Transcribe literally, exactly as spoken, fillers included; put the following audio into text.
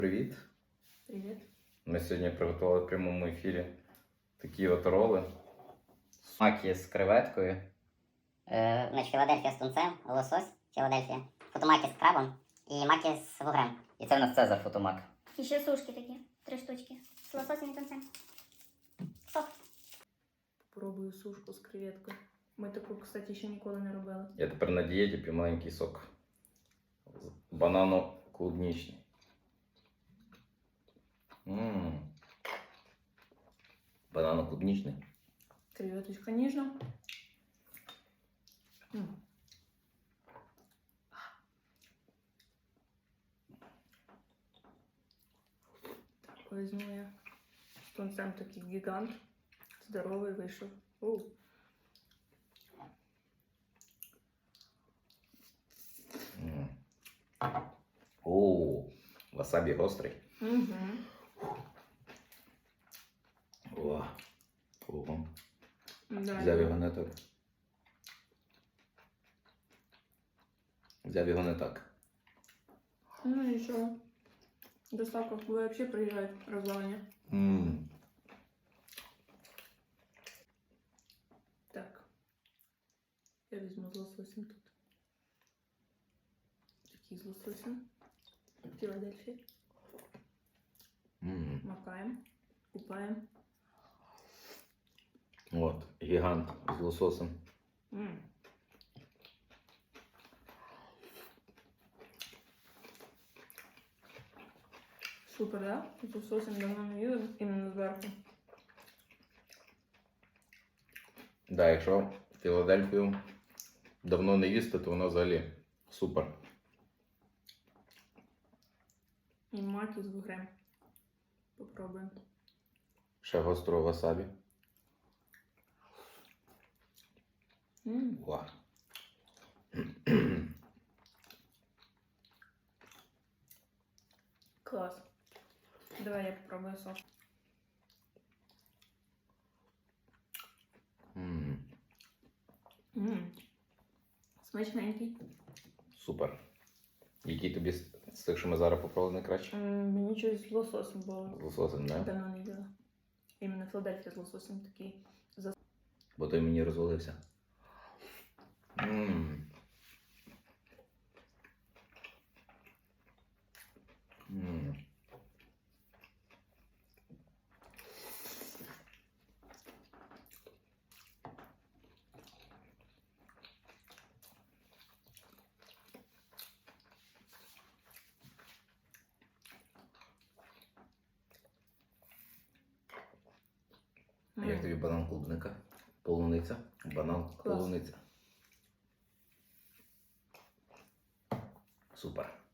Привіт! Привіт. Ми сьогодні приготували в прямому ефірі такі от роли. Маки з креветкою. Е, значить, Філадельфія з тунцем, лосось, Філадельфія, фотомаки з крабом і маки з вугрем. І це в нас Цезар фотомак. І ще сушки такі, три штучки. З лососем і тунцем. Сок. Попробую сушку з креветкою. Ми таку, кстати, ще ніколи не робили. Я тепер на дієті п'ю маленький сок. Банано-клубнічний. Ммм. Банано-клубнічний. Креветочка ніжна. М. Так, візьму я. З тунцем такий гігант. Здоровий вийшов. Оу. Ммм. Оу, васабі гострий. Угу. О, ого. Да, Взяв його не так. Взяв його не так. Ну нічого. Доставка взагалі приїжджають розвалення. Ммм. Так. Я візьму з лососем тут. Такий з лососем. Філадельфія. Ммм. Макаємо. Купаємо. От, гігант з лососем. М. Супер, да? З лососем давно не їли, іменно зверху. Да, якщо Філадельфію давно не їсти, то вона взагалі супер. І маки з вугрем. Попробуємо. Ще гострого васабі. М. Ва. Клас. Давай я попробую сок. М, М. Смачненький. Супер. Який тобі з з тих, що ми зараз попробували, найкраще? М, Мені щось з лососем було. З лососем, не? Давно не їла. Іменно Філадельфія з лососем такий. Бо той мені розвалився. Ммм. Ммм. М. Як тобі банан клубника? Полуниця. Банан Клас. полуниця. Супер.